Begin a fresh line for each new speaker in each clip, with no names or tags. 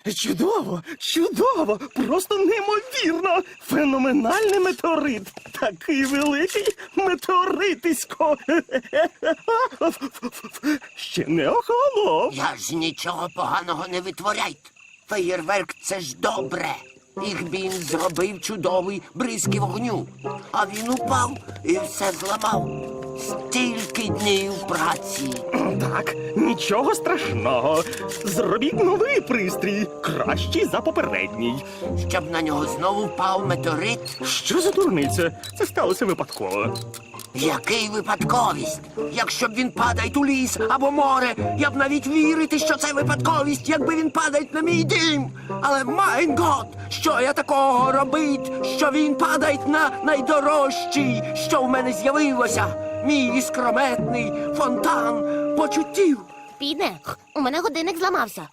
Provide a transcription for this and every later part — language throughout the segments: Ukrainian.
Чудово, чудово, просто неймовірно. Феноменальний метеорит. Такий великий метеоритисько. Ще не охолонув.
Я ж нічого поганого не витворяйте. Феєрверк – це ж добре. Їх він зробив чудовий бризки вогню. А він упав і все зламав. Стільки днів праці.
Так, нічого страшного. Зробіть новий пристрій, кращий за попередній.
Щоб на нього знову впав метеорит.
Що за дурниця? Це сталося випадково.
Який випадковість? Якщо б він падає у ліс або море, я б навіть вірити, що це випадковість, якби він падає на мій дім. Але, майн гот, що я такого робить, що він падає на найдорожчий, що в мене з'явилося? Мій іскрометний фонтан почуттів.
Підне, у мене годинник зламався.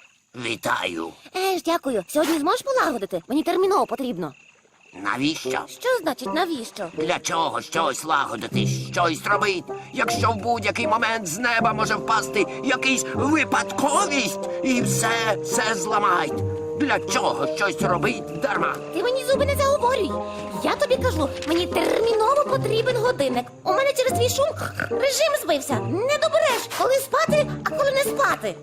Вітаю.
Дякую. Сьогодні зможеш полагодити? Мені терміново потрібно.
Навіщо?
Що значить навіщо?
Для чого щось лагодити, щось робити, якщо в будь-який момент з неба може впасти якийсь випадковість і все зламають? Для чого щось робити дарма?
Ти мені зуби не заговорюй. Я тобі кажу, мені терміново потрібен годинник. У мене через твій шум режим збився. Не добереш, коли спати, а коли не спати.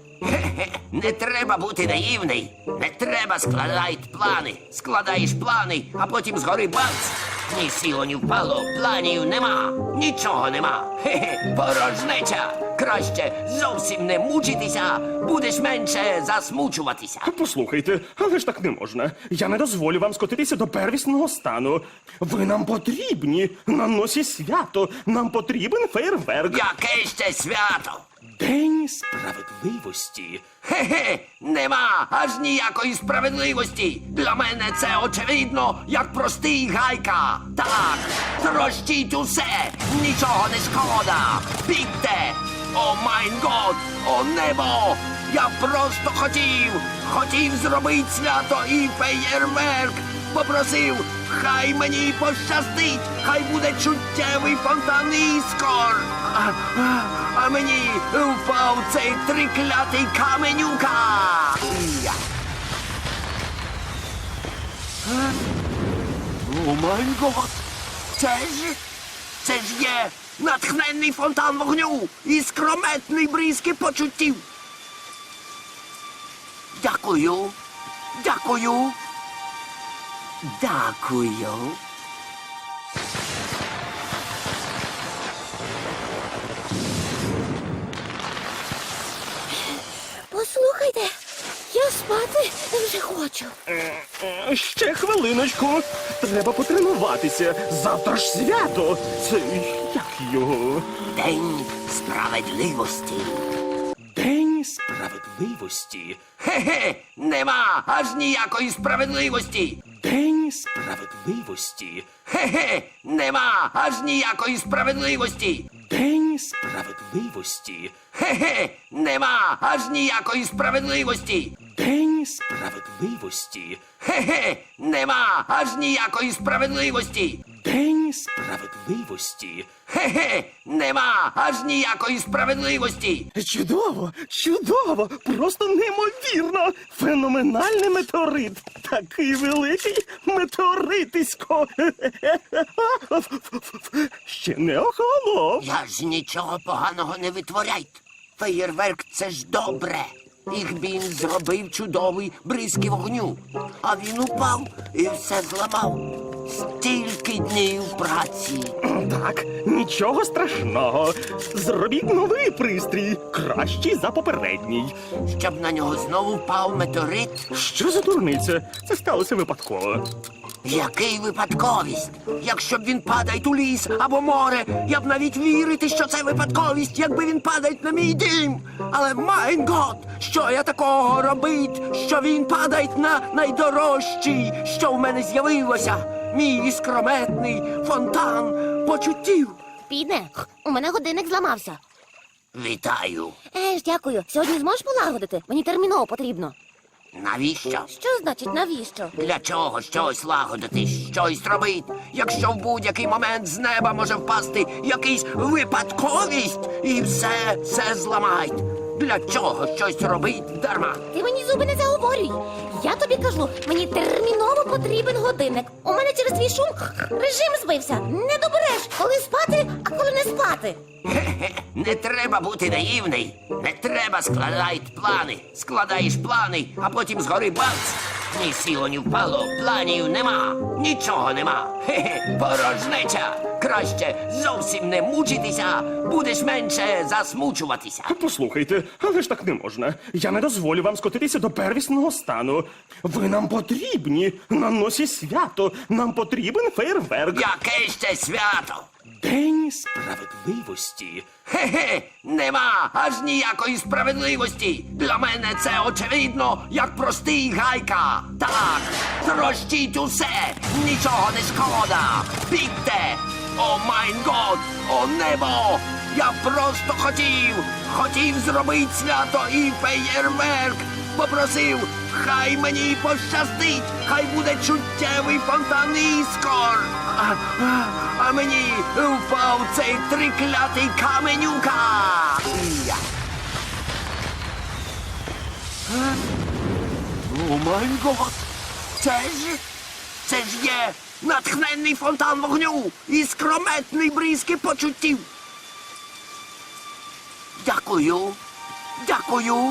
Не треба бути наївний. Не треба складати плани. Складаєш плани, а потім згори бац. Ні сіло, ні впало, планів нема. Нічого нема. Порожнеча. Краще зовсім не мучитися, будеш менше засмучуватися.
Послухайте, але ж так не можна. Я не дозволю вам скотитися до первісного стану. Ви нам потрібні. На носі свято. Нам потрібен фейерверк.
Яке ще свято?
День справедливості.
Нема аж ніякої справедливості. Для мене це очевидно, як простий гайка. Так, трощіть усе, нічого не шкода. Бігте! О майн год, о небо! Я просто хотів зробити свято і феєрверк. Попросив, хай мені пощастить, хай буде чуттєвий фонтан іскор. А мені впав цей триклятий каменюка. О май гот! Це ж є натхненний фонтан вогню і скрометний бризки почуттів. Дякую.
Послухайте, я спати вже хочу.
Ще хвилиночку. Треба потренуватися. Завтра ж свято. Це як його?
День справедливості.
День справедливості.
Нема аж ніякої справедливості.
День справедливості.
Нема аж ніякої справедливості.
День справедливості.
Нема аж ніякої справедливості.
День справедливості.
Нема аж ніякої справедливості.
День справедливості.
Нема аж ніякої справедливості.
Чудово, чудово, просто неймовірно. Феноменальний метеорит. Такий великий метеоритисько. Ще не охолонув.
Я ж нічого поганого не витворяйте. Феєрверк – це ж добре. Їх він зробив чудовий бризки вогню. А він упав і все зламав. Стільки днів праці.
Так, нічого страшного. Зробіть новий пристрій, кращий за попередній.
Щоб на нього знову впав метеорит.
Що за дурниця? Це сталося випадково.
Який випадковість? Якщо б він падає у ліс або море, я б навіть вірити, що це випадковість, якби він падає на мій дім. Але, майн гот, що я такого робить, що він падає на найдорожчий, що в мене з'явилося? Мій іскрометний фонтан почуттів.
Підне, у мене годинник зламався.
Вітаю.
Дякую. Сьогодні зможеш полагодити? Мені терміново потрібно.
Навіщо?
Що значить навіщо?
Для чого щось лагодити, щось робити, якщо в будь-який момент з неба може впасти якийсь випадковість і все зламають? Для чого щось робить дарма?
Ти мені зуби не заговорюй. Я тобі кажу, мені терміново потрібен годинник. У мене через твій шум режим збився. Не добереш, коли спати, а коли не спати.
Хе-хе, не треба бути наївний. Не треба складати плани. Складаєш плани, а потім згори бац. Ні сіло, ні впало, планів нема, нічого нема. Хе-хе, порожнеча. Краще зовсім не мучитися, будеш менше засмучуватися.
Послухайте, але ж так не можна. Я не дозволю вам скотитися до первісного стану. Ви нам потрібні на носі свято. Нам потрібен фейерверк.
Яке ще свято?
День справедливості.
Хе-хе, нема аж ніякої справедливості. Для мене це очевидно, як простий гайка. Так, трощіть усе, нічого не шкода. Бігте! О майн год, о небо! Я просто хотів зробити свято і феєрверк. Попросив, хай мені пощастить, хай буде чуттєвий фонтан іскор. А мені впав цей триклятий каменюка. Я. О май гот! Це ж є натхненний фонтан вогню і скрометний бризки почуттів. Дякую. Дякую.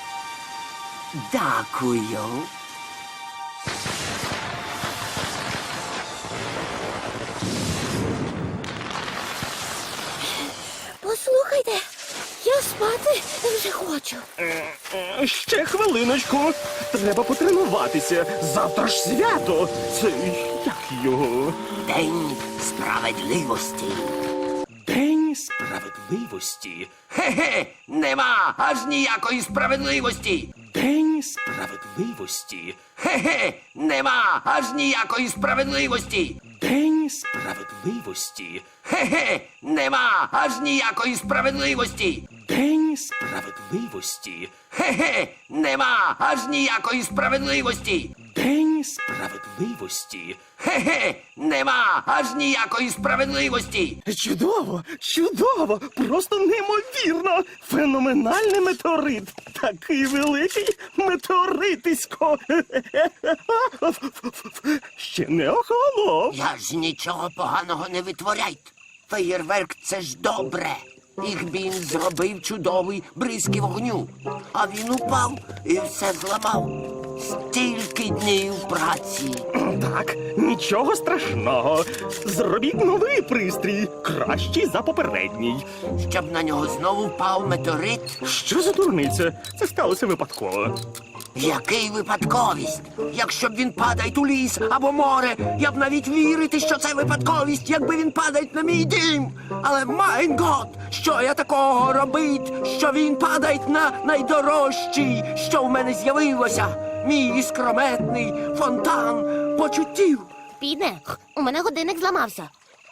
Дякую.
Послухайте, я спати вже хочу.
Ще хвилиночку. Треба потренуватися. Завтра ж свято. Це як його?
День справедливості.
День справедливості.
Хе-хе, нема аж ніякої справедливості.
День справедливості.
Хе-хе, нема аж ніякої справедливості.
День справедливості.
Хе-хе, нема аж ніякої справедливості.
День справедливості.
Хе-хе, нема аж ніякої справедливості.
День справедливості.
Хе-хе, нема аж ніякої справедливості.
Чудово, чудово, просто неймовірно. Феноменальний метеорит. Такий великий метеоритисько. Ще не охолонув.
Я ж нічого поганого не витворяйте. Феєрверк — це ж добре. Їх він зробив чудовий бризки вогню. А він упав і все зламав. Стільки днів праці.
Так, нічого страшного. Зробіть новий пристрій, кращий за попередній.
Щоб на нього знову впав метеорит.
Що за дурниця? Це сталося випадково.
Який випадковість? Якщо б він падає у ліс або море, я б навіть вірити, що це випадковість, якби він падає на мій дім. Але майн гот, що я такого робить, що він падає на найдорожчий, що в мене з'явилося. Мій іскрометний фонтан почуттів.
Піде, у мене годинник зламався.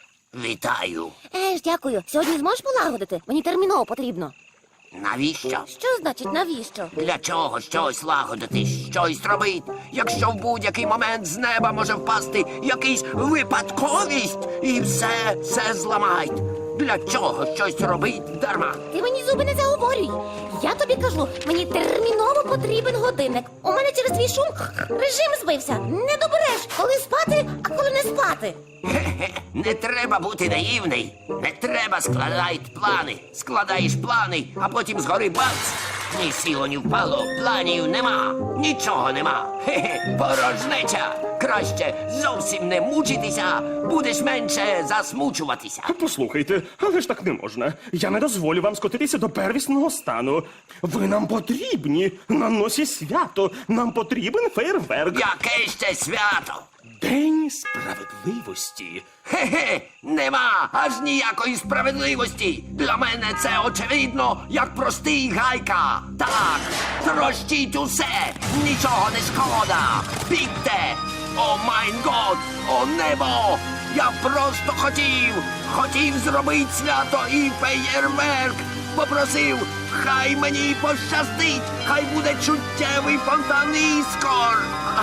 Вітаю.
Дякую. Сьогодні зможеш полагодити? Мені терміново потрібно.
Навіщо?
Що значить навіщо?
Для чого щось лагодити, щось робити, якщо в будь-який момент з неба може впасти якийсь випадковість і все зламають? Для чого щось робить дарма?
Ти мені зуби не заговорюй. Я тобі кажу, мені терміново потрібен годинник. У мене через твій шум режим збився. Не добереш, коли спати, а коли не спати.
Хе-хе, не треба бути наївний. Не треба складати плани. Складаєш плани, а потім згори бац. Ні сіло, ні впало, планів нема, нічого нема. Хе-хе, порожнеча. Краще зовсім не мучитися, будеш менше засмучуватися.
Послухайте, але ж так не можна. Я не дозволю вам скотитися до первісного стану. Ви нам потрібні на носі свято. Нам потрібен фейерверк.
Яке ще свято?
День справедливості.
Хе-хе, нема аж ніякої справедливості. Для мене це очевидно, як простий гайка. Так, трощіть усе, нічого не шкода. Бігте! О майн год, о небо! Я просто хотів зробити свято і феєрверк. Попросив, хай мені пощастить, хай буде чуттєвий фонтан іскор.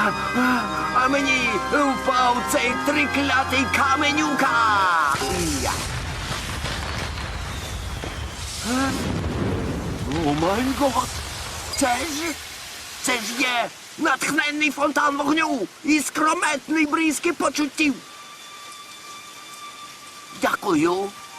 А мені впав цей триклятий каменюка. Я. О май гот! Це ж є натхненний фонтан вогню і скрометний бризки почуттів. Дякую.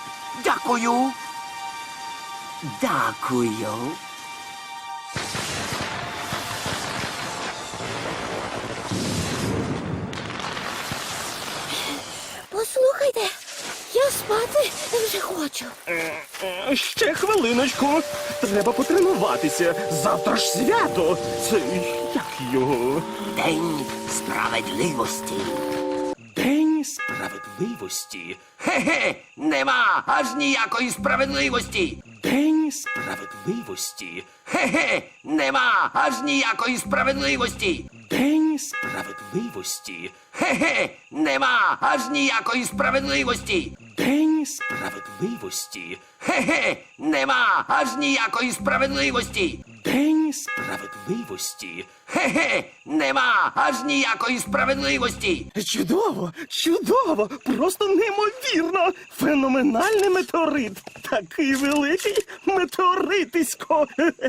Послухайте, я спати вже хочу.
Ще хвилиночку. Треба потренуватися. Завтра ж свято. Це як його?
День справедливості.
День справедливості.
Хе-хе, нема аж ніякої справедливості.
День справедливості.
Хе-хе, нема аж ніякої справедливості.
День справедливості.
Хе-хе, нема аж ніякої справедливості.
День справедливості.
Хе-хе, нема аж ніякої справедливості.
День справедливості.
Хе-хе, нема аж ніякої справедливості.
Чудово, просто неймовірно. Феноменальний метеорит. Такий великий метеоритисько.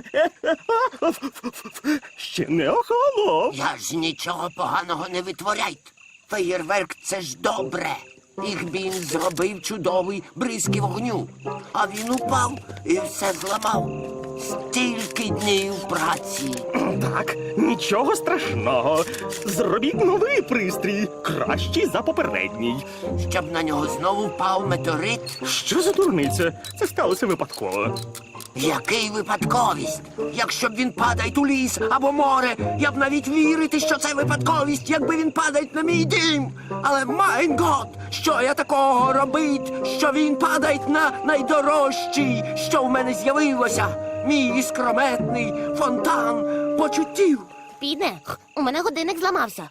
Ще не охолонув.
Я ж нічого поганого не витворяйте. Феєрверк — це ж добре. Їх він зробив чудовий бризки вогню. А він упав і все зламав. Стільки днів праці.
Так, нічого страшного. Зробіть новий пристрій, кращий за попередній.
Щоб на нього знову впав метеорит.
Що за дурниця? Це сталося випадково.
Який випадковість? Якщо б він падає у ліс або море, я б навіть вірити, що це випадковість, якби він падає на мій дім. Але майн гот, що я такого робить, що він падає на найдорожчий, що в мене з'явилося. Мій іскрометний фонтан почуттів.
Підне, у мене годинник зламався.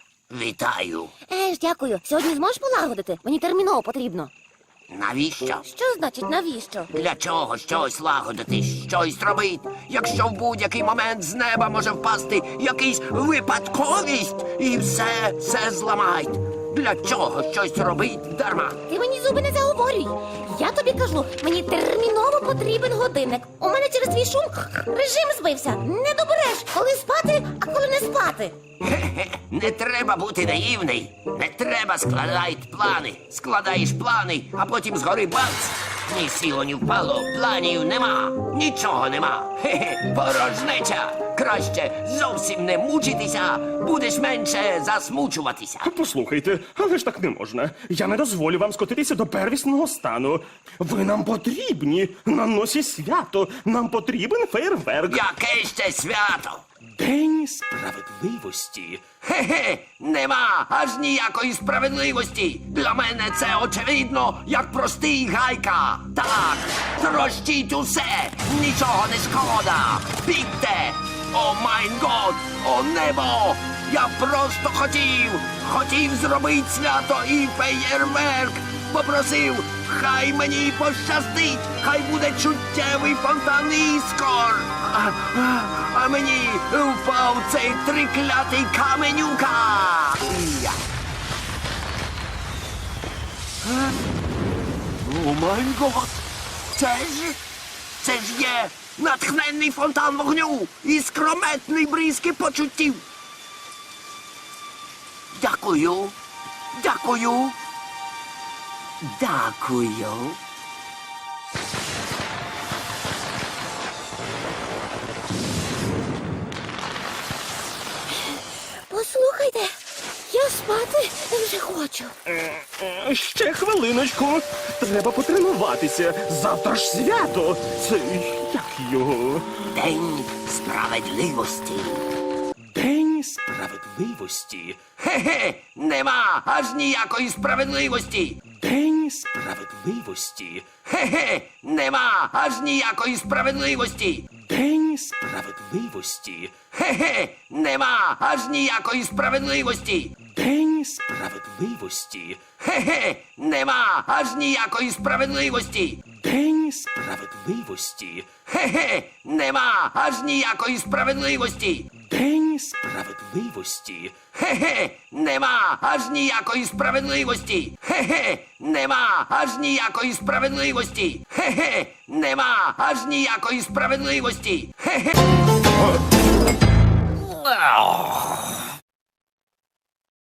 Вітаю.
Дякую. Сьогодні зможеш полагодити? Мені терміново потрібно.
Навіщо?
Що значить навіщо?
Для чого щось лагодити, щось робити, якщо в будь-який момент з неба може впасти якийсь випадковість і все зламають? Для чого щось робить дарма?
Ти мені зуби не заговорюй. Я тобі кажу, мені терміново потрібен годинник. У мене через твій шум режим збився. Не добереш, коли спати, а коли не спати.
Хе-хе, не треба бути наївний. Не треба складати плани. Складаєш плани, а потім згори бац. Ні сіло, ні впало, планів нема. Нічого нема. Хе-хе, порожнеча. Краще зовсім не мучитися, будеш менше засмучуватися.
Послухайте, але ж так не можна. Я не дозволю вам скотитися до первісного стану. Ви нам потрібні. На носі свято. Нам потрібен фейерверк.
Яке ще свято?
День справедливості.
Хе-хе, нема аж ніякої справедливості. Для мене це очевидно, як простий гайка. Так, трощіть усе, нічого не шкода. Бігте! О майн гот, о небо! Я просто хотів зробити свято і феєрверк. Попросив, хай мені пощастить, хай буде чуттєвий фонтан іскор. А мені впав цей триклятий каменюка. Я. О май гот! Це ж є натхненний фонтан вогню і скрометний бризки почуттів. Дякую.
Послухайте, я спати вже хочу.
Ще хвилиночку. Треба потренуватися. Завтра ж свято. Це як його?
День справедливості.
День справедливості.
Хе-хе, нема аж ніякої справедливості.
День справедливості.
Хе-хе, нема аж ніякої справедливості.
День справедливості.
Хе-хе, нема аж ніякої справедливості.
День справедливості.
Хе-хе, нема аж ніякої справедливості.
День справедливості.
Хе-хе, нема аж ніякої справедливості.
День Справедливості?
Хе-хе, нема аж ніякої справедливості. Хе-хе, нема аж ніякої справедливості. Хе-хе, нема аж ніякої справедливості. Хе-хе.